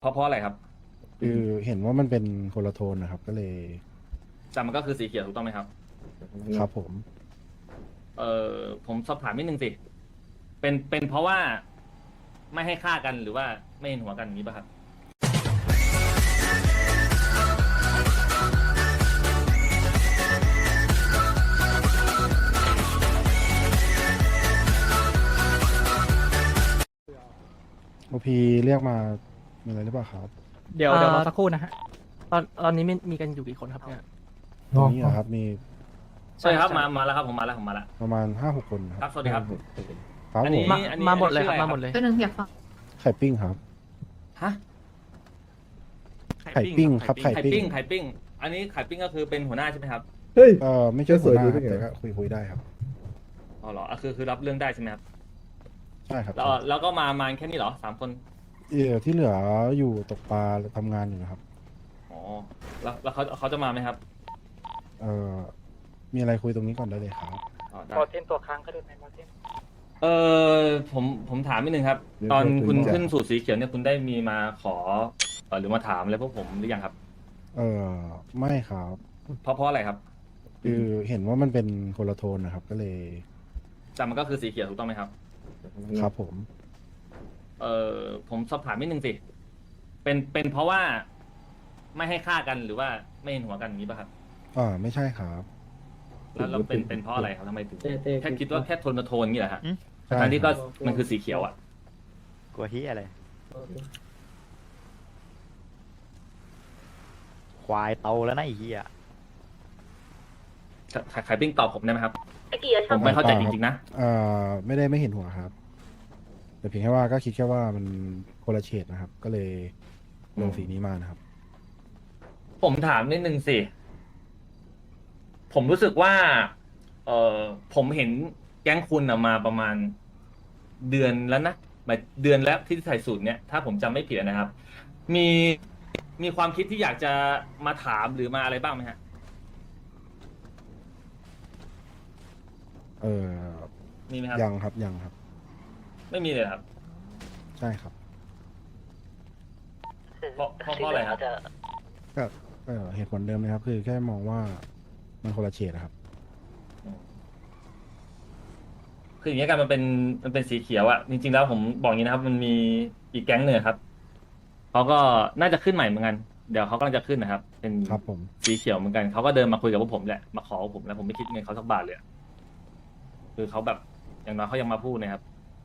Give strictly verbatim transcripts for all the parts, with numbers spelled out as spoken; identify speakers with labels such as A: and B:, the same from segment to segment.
A: เพราะเพราะอะไรครับ
B: คือเห็นว่ามันเป็นคนละโทนนะครับก็เลย
A: แต่มันก็คือสีเขียวถูกต้องไหมครับ
B: ครับผม
A: เอ่อผมสอบถามนิดนึงสิเป็นเป็นเพราะว่าไม่ให้ฆ่ากันหรือว่าไม่เห็นหัวกันอย่างนี้ป่ะครับ
B: โอพีเรียกมามีอะไรหรือเปล่าครับ
C: เดี๋ยว
D: อ่า
C: เดี๋ยวรอสักครู่นะฮะตอนตอนนี้มีมีกันอยู่กี่คนครับเนี่ย
B: ตรงนี้เหรอครับมี
A: ใช่ครับมามาแล้วครับผมมาแล้วผมมาแล้ว
B: ประมาณห้าหกคนค
A: ครั
B: รั
A: บบ สวัสดีครับ
B: ครับ
A: อัน
B: ผ
A: นี้
B: ม
C: มา
A: อันนี้
C: มาหมดเลย
A: อันนี้
C: ครับ
A: ชื่ออะไร
C: มาหมดเลย
E: ก็นึงอยากฟัง
B: ไข่ปิ้งครับ
A: ฮะ
B: ไข่ปิ้งครับไข่
A: ไข่
B: ปิ้
A: ปิ้
B: ง
A: งไข่ปิ้งอันนี้ไข่ปิ้งก็คือเป็นหัวหน้าใช่ไหมครับ
F: เฮ้ย
B: เออไม่ใช่หัวหน้า
F: จะสวยดู
B: ค
F: ได้
B: รับ
F: ไง
B: แต่ก็คุยคุยได้ครับ
A: อ๋อเหรออ่ะคือคือรับเรื่องได้ใช่ไหมครับ
B: ใช่ครับ
A: แล้วแล้วก็มามาแค่นี้เหรอสามคน
B: เออที่เหลืออยู่ตกปลาทำงานอยู่นะครับ
A: อ๋อแล้วแล้วเขาเขาจะมาไหมครับ
B: เออมีอะไรคุยตรงนี้ก่อนได้เลยครับ
A: อ๋อได้
C: พอเทนตัวค้างก็ได้ไหมพอเทน
A: เออผมผมถามนิดนึงครับ ตอนคุณขึ้นสู่สีเขียวเนี่ยคุณได้มีมาขอเอ่อหรือมาถามอะไรพวกผมหรือยังครับ
B: เออไม่ครับ
A: เพราะเพราะอะไรครับ
B: คือเห็นว่ามันเป็นคนละโทนนะครับ ก็เลย
A: แต่มันก็คือสีเขียวถูกต้องไหมครับ
B: ครับผม
A: เออผมสอบถามนิดนึงสิเป็นเป็นเพราะว่าไม่ให้ฆ่ากันหรือว่าไม่เห็นหัวกันอย่างนี้ป่ะครับ
B: อ่าไม่ใช่ครับ
A: แล้วแล้วเป็นเป็นเพราะอะไรครับทำไมถึง
F: เต้เต้
A: แค่คิดว่าแค่โทนมาโทนอย่างนี้เหรอฮะ
B: ใช่
A: ทั้งที่
B: ค
A: ก็
B: รับ
A: มันคือสีเขียวอ่ะ
G: กลัวเฮียอะไร ควายโตแล้วนะไอ้เฮีย
A: ขายขายปิ้งตอบผมได้ไหมครับ
E: ไอ้กี่อะ
A: ผมไม่เข้าใจจริงๆนะ
B: เอ่อไม่ได้ไม่เห็นหัวครับ แต่เพียงแค่ว่าก็คิดแค่ว่ามันคนละเฉดนะครับ ก็เลยลงสีนี้มานะครับ
A: ผมถามนิดนึงสิ ผมรู้สึกว่า เออผมเห็นแก๊งคุณอะมาประมาณเดือนแล้วนะหมายเดือนแล้วที่ใส่สูตรเนี่ย ถ้าผมจำไม่ผิดนะครับ มีมีความคิดที่อยากจะมาถามหรือมาอะไรบ้างไหมฮะ
B: เออ
A: มีไหมครับ
B: ยังครับยังครับ
A: ไม่มีเลยครับ
B: ใช่ครับ
A: เพราะเพราะเพราะอะไรครับ
B: ก็เออเหตุผลเดิมเลยครับ คือแค่มองว่ามันคนละเฉดนะครับ
A: คืออย่างนี้ยกันมันเป็นมันเป็นสีเขียวอะจริงๆแล้วผมบอกอย่างนี้นะครับ มันมีอีกแก๊งหนึ่งครับเขาก็น่าจะขึ้นใหม่เหมือนกันเดี๋ยวเขากำลังจะขึ้นนะครับ เป็น
B: ครับผม
A: สีเขียวเหมือนกันเขาก็เดินมาคุยกับพวกผมแหละมาขอผมแล้วผมไม่คิดเงินเขาสักบาทเลยอะคือเขาแบบอย่างน้อยเขายังมาพูดนะครับ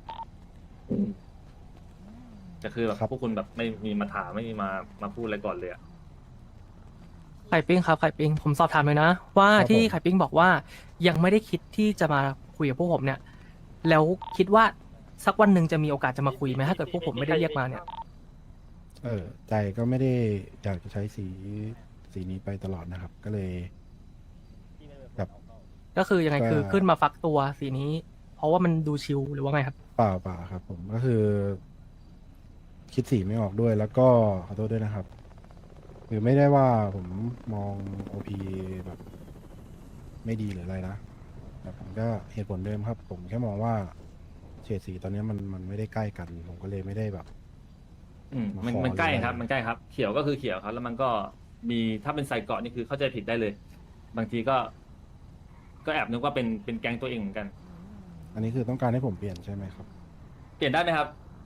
A: แต่คือแบบ
B: ครับ
A: พวกคุณแบบไม่มีมาถามไม่มีมามาพูดอะไรก่อนเลยอะ
D: ไข่ปิ้งครับไข่ปิ้งผมสอบถามเลยนะ ว่าที่ไข่ปิ้งบอกว่ายังไม่ได้คิดที่จะมาคุยกับพวกผมเนี่ย แล้วคิดว่าสักวันหนึ่งจะมีโอกาสจะมาคุยไหมถ้าเกิดพวกผมไม่ได้เรียกมาเนี่ย
B: เออใจก็ไม่ได้อยากจะใช้สีสีนี้ไปตลอดนะครับ ก็เลยแบบ
D: ก็คือยังไง
B: ก็
D: คือขึ้นมาฟักตัวสีนี้ เพราะว่ามันดูชิลหรือว่าไงครับ
B: เปล่าเปล่าครับ ผมก็คือ คิดสีไม่ออกด้วย แล้วก็ขอโทษด้วยนะครับ คือไม่ได้ว่าผมมองโอพีแบบ ไม่ดีหรืออะไรนะแต่ผมก็เหตุผลเดิมครับ ผมแค่มองว่าเฉดสีตอนนี้มันมันไม่ได้ใกล้กัน ผมก็เลยไม่ได้แบบ
A: อืมมัน
B: มาขอ
A: มันใกล้
B: หรืออะไร
A: ครับ มันใกล้ครับ เขียวก็คือเขียวครับ แล้วมันก็มีถ้าเป็นใส่เกาะนี่คือเข้าใจผิดได้เลย บางทีก็ ก็แอบนึกว่าเป็นเป็นแก๊งตัวเองเหมือนกัน
B: อันนี้คือต้องการให้ผมเปลี่ยนใช่ไหมครับ
A: เปลี่ยนได้ไหมครับ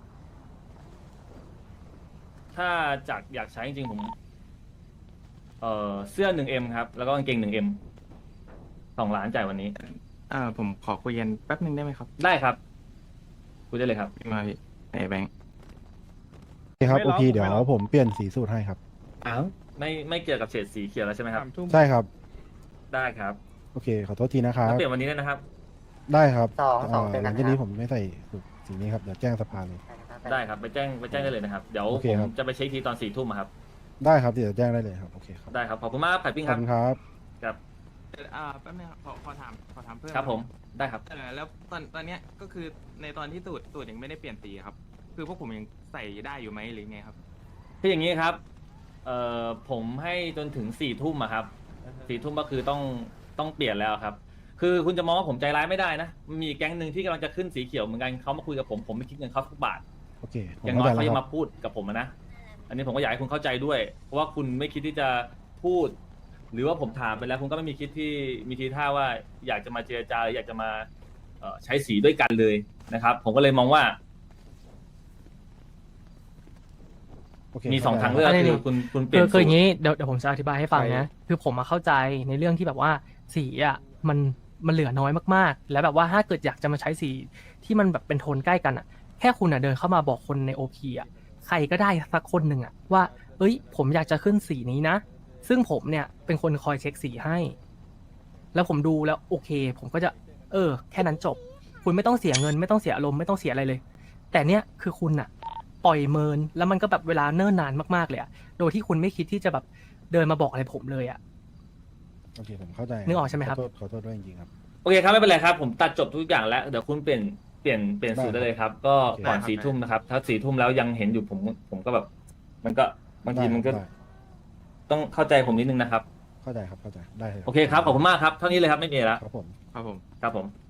A: ถ้าจากอยากใช้จริงๆผม เอ่อเสื้อหนึ่งเอ็มครับ แล้วก็กางเกงหนึ่งเอ็มสองล้านจ่ายวันนี้
H: อ่าผมขอคุยกันแป๊บหนึ่งได้ไหมครับ
A: ได้ครับคุยได้เลยครับ
H: พี่มาพี่ไอ้แบงค์
B: โอเคครับ
F: ไม่
B: โอ
F: ล็อก
B: พีเดี๋ยว
F: ไม่ล็อก
B: ผมเปลี่ยนสีสูตรให้ครับ
F: อ้าว
A: ไม่ไม่เกี่ยวกับเฉดสีเขียวแล้วใช่ไหมครับ
F: สามทุ่ม
B: ใช่ครับ
A: ได้ครับ
B: โอเค ขอโทษทีนะครับ
A: แล้วเปลี่ยนวันนี้ได้นะครับ
B: ได้ครับ
E: สองสอง
B: เอ่อ
E: เจอ
B: ห
E: กั
B: ลั
E: น
B: ง
E: ค
B: จาก
E: รั
B: นี้
E: บ
B: ผมไม่ใส่สูตรสีนี้ครับ เดี๋ยวแจ้งสภาเลย
A: ได้ครับ ไปแจ้งไปแจ้งได้เลยนะครับ เดี๋ยว
B: โอเค
A: ผม
B: ครับ
A: จะไปเช็คทีตอนสี่ทุ่มอะครับ
B: ได้ครับ เดี๋ยวแจ้งได้เลยครับ โอเคครับ
A: ได้ครับ ขอบคุณมากครับไข่ปิ้ง
B: ข
A: ค
B: อบ
A: รับ
B: คุณครับ
A: ครับ
H: อ่าแป๊บนึงครับขอขอถามขอถามเพิ่ม
A: ครับผม ได้ครับ
H: เออแล้วตอนตอนเนี้ยก็คือในตอนที่ตูดตูดยังไม่ได้เปลี่ยนสีครับ คือพวกผมยังใส่ได้อยู่ไหมหรือไงครับ
A: คืออย่างนี้ครับ เอ่อ ผมให้จนถึงสี่ทุ่มอะครับ สี่ทุ่มก็คือต้องต้องเปลี่ยนแล้วครับ คือคุณจะมองว่าผมใจร้ายไม่ได้นะ มีแก๊งหนึ่งที่กำลังจะขึ้นสีเขียวเหมือนกันเขามาคุยกับผม ผมไม่คิดเงินเขาสักบาท
B: โอเค ผม
A: อย่างน้อย
B: เข้าใจ
A: เขา
B: แล้ว
A: ยัง
B: ครั
A: มา
B: บ
A: พูดกับผมอะนะอันนี้ผมก็อยากให้คุณเข้าใจด้วย เพราะว่าคุณไม่คิดที่จะพูด หรือว่าผมถามไปแล้วคุณก็ไม่มีคิดที่มีทีท่าว่าอยากจะมาเจรจาหรืออยากจะมาเอ่อใช้สีด้วยกันเลยนะครับ ผมก็เลยมองว่า
B: โอเค
A: มีสอง
B: ข้
A: ทาง
B: ใจ
A: เลือก
D: อันนี้
A: คือคุณคุณเปลี่
D: คื
A: ย
D: อน คือ
A: สู
D: อ
A: ต
D: ย่าง
A: ร
D: นี้เดี๋ยวเดี๋ยวผมจะอธิบายให้ฟังนะ คือผมมาเข้าใจในเรื่องที่แบบว่าสีอ่ะมันมันเหลือน้อยมากๆ แล้วแบบว่าถ้าเกิดอยากจะมาใช้สีที่มันแบบเป็นโทนใกล้กันอ่ะ แค่คุณอ่ะเดินเข้ามาบอกคนในโอพีอ่ะใครก็ได้สักคนหนึ่งอ่ะว่า เอ้ย ผมอยากจะขึ้นสีนี้นะ ซึ่งผมเนี่ยเป็นคนคอยเช็คสีให้ แล้วผมดูแล้วโอเค ผมก็จะ เออ แค่นั้นจบ คุณไม่ต้องเสียเงินไม่ต้องเสียอารมณ์ไม่ต้องเสียอะไรเลย แต่เนี่ยคือคุณอะปล่อยเมินแล้วมันก็แบบเวลาเนิ่นนานมากๆเลยอะโดยที่คุณไม่คิดที่จะแบบเดินมาบอกอะไรผมเลยอะ
B: โอเคผมเข้าใจ
D: นึกออกใช่ไหมครับ
B: ขอโทษขอโทษด้วยจริงๆครับ
A: โอเคครับไม่เป็นไรครับ ผมตัดจบทุกอย่างแล้วเดี๋ยวคุณเปลี่ยนเปลี่ยนเปลี่ยนสูตร
B: ได้
A: ได้
B: ครับ
A: เลยครับ ก็
B: โอเค
A: ก่อน
H: ได้ครับ
A: สี่ทุ่มนะครับ ถ้าสี่ทุ่มแล้วยังเห็นอยู่ผมผมก็แบบ มันก็บางทีมันก็
B: ได้
A: ต้องเข้าใจผมนิดนึงนะครับ
B: เข้าใจครับเข้าใจได้เลย
A: โอเคครับขอบคุณมากครับเท่านี้เลยครับไม่มีอะไรแล้ว
B: ครับผม
H: ครับผม
A: ครับผม